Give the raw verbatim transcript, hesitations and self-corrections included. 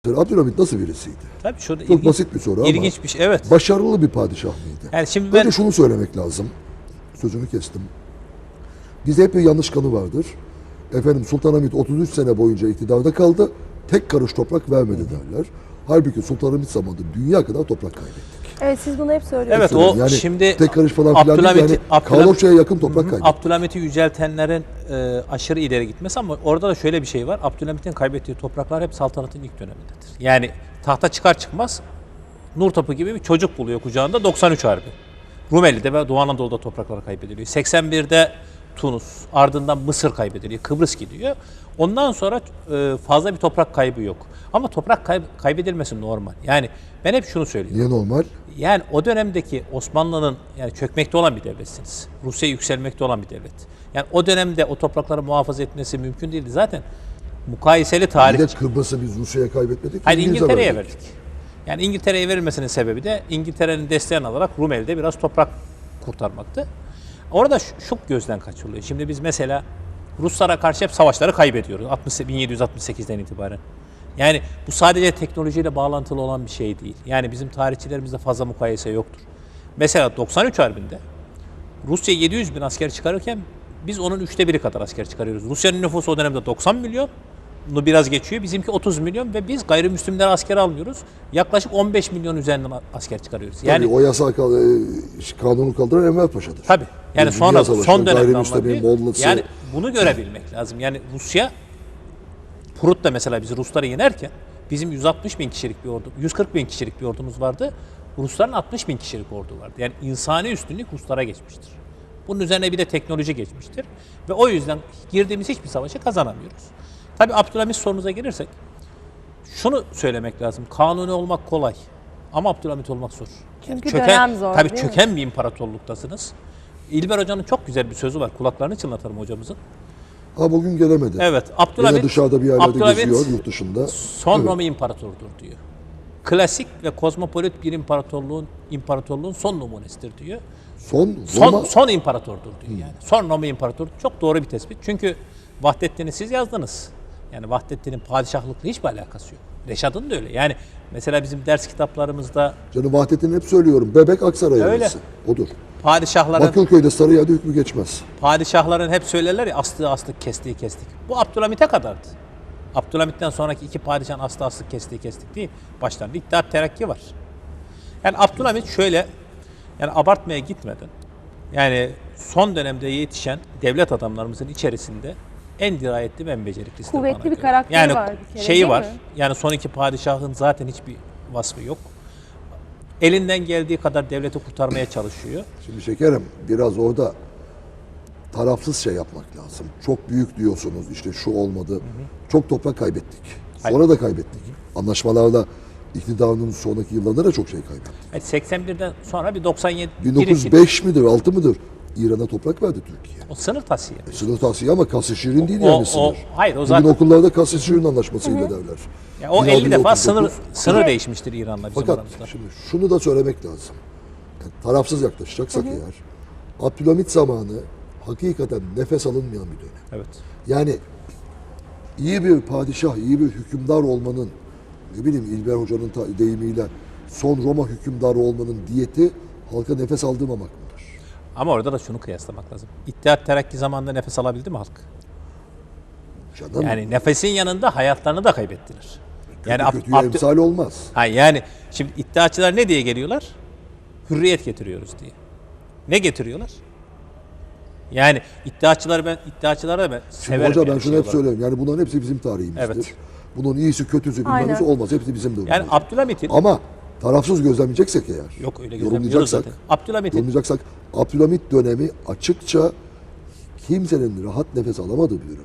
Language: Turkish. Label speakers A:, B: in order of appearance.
A: Abdülhamit nasıl birisiydi?
B: Tabii şurada
A: Çok
B: ilginç,
A: basit bir soru ama
B: ilginç bir şey. Evet.
A: başarılı bir padişah mıydı?
B: Yani şimdi ben
A: Önce şunu söylemek lazım. Sözünü kestim. Bizde hep bir yanlış kanı vardır. Efendim Sultanahmet otuz üç sene boyunca iktidarda kaldı. Tek karış toprak vermedi derler. Halbuki Sultanahmet zamanında dünya kadar toprak kaybettik.
C: Evet, siz bunu hep söylüyorsunuz.
B: Evet, o
A: yani
B: şimdi
A: tek karış falan filan değil.
B: Abdülhamit'i-
A: Yani
B: Abdülhamit-
A: Kaloçya'ya yakın toprak kaybettik.
B: Abdülhamit'i yüceltenlerin e, aşırı ileri gitmesi, ama orada da şöyle bir şey var. Abdülhamit'in kaybettiği topraklar hep saltanatın ilk dönemindedir. Yani tahta çıkar çıkmaz nur topu gibi bir çocuk buluyor kucağında. doksan üç Harbi. Rumeli'de ve Doğu Anadolu'da topraklar kaybediliyor. seksen birde Tunus, ardından Mısır kaybediliyor, Kıbrıs gidiyor. Ondan sonra e, fazla bir toprak kaybı yok. Ama toprak kayb- kaybedilmesi normal. Yani ben hep şunu söylüyorum.
A: Niye normal?
B: Yani o dönemdeki Osmanlı'nın, yani çökmekte olan bir devletsiniz. Rusya yükselmekte olan bir devlet. Yani o dönemde o toprakları muhafaza etmesi mümkün değildi. Zaten mukayeseli tarih.
A: Bir de Kıbrıs'ı biz Rusya'ya kaybetmedik.
B: Hayır,
A: İngiliz'e
B: İngiltere'ye
A: verdik.
B: verdik. Yani İngiltere'ye verilmesinin sebebi de İngiltere'nin desteğini alarak Rumeli'de biraz toprak kurtarmaktı. Orada şu, şu gözden kaçırılıyor. Şimdi biz mesela Ruslara karşı hep savaşları kaybediyoruz altmış, bin yedi yüz altmış sekizden itibaren. Yani bu sadece teknolojiyle bağlantılı olan bir şey değil. Yani bizim tarihçilerimizde fazla mukayese yoktur. Mesela doksan üç Harbi'nde Rusya yedi yüz bin asker çıkarırken biz onun üçte biri kadar asker çıkarıyoruz. Rusya'nın nüfusu o dönemde doksan milyon. Bunu biraz geçiyor. Bizimki otuz milyon ve biz gayrimüslimleri asker almıyoruz. Yaklaşık on beş milyon üzerinden asker çıkarıyoruz. Yani
A: Tabii o yasak e, kanunu kaldıran Enver Paşa'dır.
B: tabii. Yani
A: Dünya
B: sonra
A: Savaşı'nın
B: son dönemde
A: gayrimüslimin Mollası.
B: yani bunu görebilmek lazım. Yani Rusya Prut'ta mesela biz Rusları yenerken bizim yüz altmış bin kişilik bir ordu, yüz kırk bin kişilik bir ordumuz vardı. Rusların altmış bin kişilik ordu vardı. Yani insani üstünlük Ruslara geçmiştir. Bunun üzerine bir de teknoloji geçmiştir. Ve o yüzden girdiğimiz hiçbir savaşı kazanamıyoruz. Tabii Abdülhamit sorunuza gelirsek şunu söylemek lazım. Kanuni olmak kolay ama Abdülhamit olmak zor.
C: Çünkü
B: çöken,
C: dönem zor,
B: tabii
C: değil mi?
B: çöken bir imparatorluktasınız. İlber Hoca'nın çok güzel bir sözü var. Kulaklarını çınlatalım hocamızın.
A: Ha bugün gelemedi.
B: Evet,
A: Yine
B: Abdülhamit
A: dışarıda bir yerlerde
B: Abdülhamit
A: geziyor yurt dışında.
B: son
A: Evet.
B: Roma imparatordur diyor. Klasik ve kozmopolit bir imparatorluğun imparatorluğun son numunesidir diyor.
A: Son
B: Son
A: Roma
B: son imparatordur diyor yani. Son Roma imparatoru çok doğru bir tespit. Çünkü Vahdettin'i siz yazdınız. Yani Vahdettin'in padişahlıkla hiçbir alakası yok. Reşad'ın da öyle. Yani mesela bizim ders kitaplarımızda
A: Canım Vahdettin'i hep söylüyorum. Bebek Aksaray
B: Öyle.
A: arası. Odur.
B: padişahların
A: Bakırköy'de Sarıyer'de hükmü geçmez.
B: padişahların hep söylerler ya, astığı astık, kestiği kestik. Bu Abdülhamit'e kadardı. Abdülhamit'ten sonraki iki padişahın astığı astık, kestiği kestik değil. Başlarında İttihat Terakki var. Yani Abdülhamit şöyle, yani abartmaya gitmeden, yani son dönemde yetişen devlet adamlarımızın içerisinde en dirayetli ve en beceriklisi.
C: Kuvvetli bir karakteri
B: yani
C: var bir kere,
B: şeyi
C: değil
B: var.
C: mi?
B: Yani son iki padişahın zaten hiçbir vasfı yok. Elinden geldiği kadar devleti kurtarmaya çalışıyor.
A: Şimdi şekerim biraz orada tarafsız şey yapmak lazım. Çok büyük diyorsunuz işte şu olmadı. Hı hı. Çok toprak kaybettik. Sonra
B: Hayır.
A: da kaybettik. Hı hı. Anlaşmalarla iktidarının sonraki yıllarında da çok şey kaybettik.
B: Yani seksen birden sonra bir doksan yedi
A: bin dokuz yüz beş midir altı mıdır? İran'a toprak verdi Türkiye.
B: o sınır tasiye.
A: E, sınır tavsiye ama Kasım-Şirin değil
B: O-
A: yani
B: o-
A: sınır.
B: hayır, o
A: Bugün
B: zaten-
A: okullarda Kasım-Şirin anlaşmasıyla derler.
B: Yani o
A: bin altı
B: elli
A: yüz
B: defa
A: otuz dokuz.
B: sınır sınır değişmiştir İran'la bizim
A: Fakat
B: aramızda.
A: şimdi şunu da söylemek lazım. Yani tarafsız yaklaşacaksak eğer, Abdülhamit zamanı hakikaten nefes alınmayan bir dönem.
B: Evet.
A: Yani iyi bir padişah, iyi bir hükümdar olmanın, ne bileyim İlber Hoca'nın ta- deyimiyle son Roma hükümdarı olmanın diyeti halka nefes aldırmamak mıdır?
B: Ama orada da şunu kıyaslamak lazım. İttihat Terakki zamanında nefes alabildi mi halk?
A: Canım,
B: Yani nefesin yanında hayatlarını da kaybettiler. Yani Ab-
A: kötüye
B: Abdü-
A: emsal olmaz.
B: ha, yani şimdi iddiaçılar ne diye geliyorlar? Hürriyet getiriyoruz diye. Ne getiriyorlar? Yani iddiaçıları ben iddiaçılara da ben
A: Şimdi
B: severim.
A: hoca ben
B: yani
A: şunu
B: şey
A: hep
B: olarak.
A: söylüyorum. Yani bunların hepsi bizim tarihimizdir.
B: Evet.
A: Bunun iyisi, kötüsü, bilmem
C: Aynen.
A: nesi olmaz. Hepsi bizim durumumuz.
B: Yani Abdülhamit'in
A: Ama tarafsız gözlemleyeceksek eğer,
B: yok öyle gözlemliyoruz
A: yorumlayacaksak,
B: zaten. Abdülhamit'in
A: yorumlayacaksak Abdülhamit dönemi açıkça kimsenin rahat nefes alamadığı bir dönem.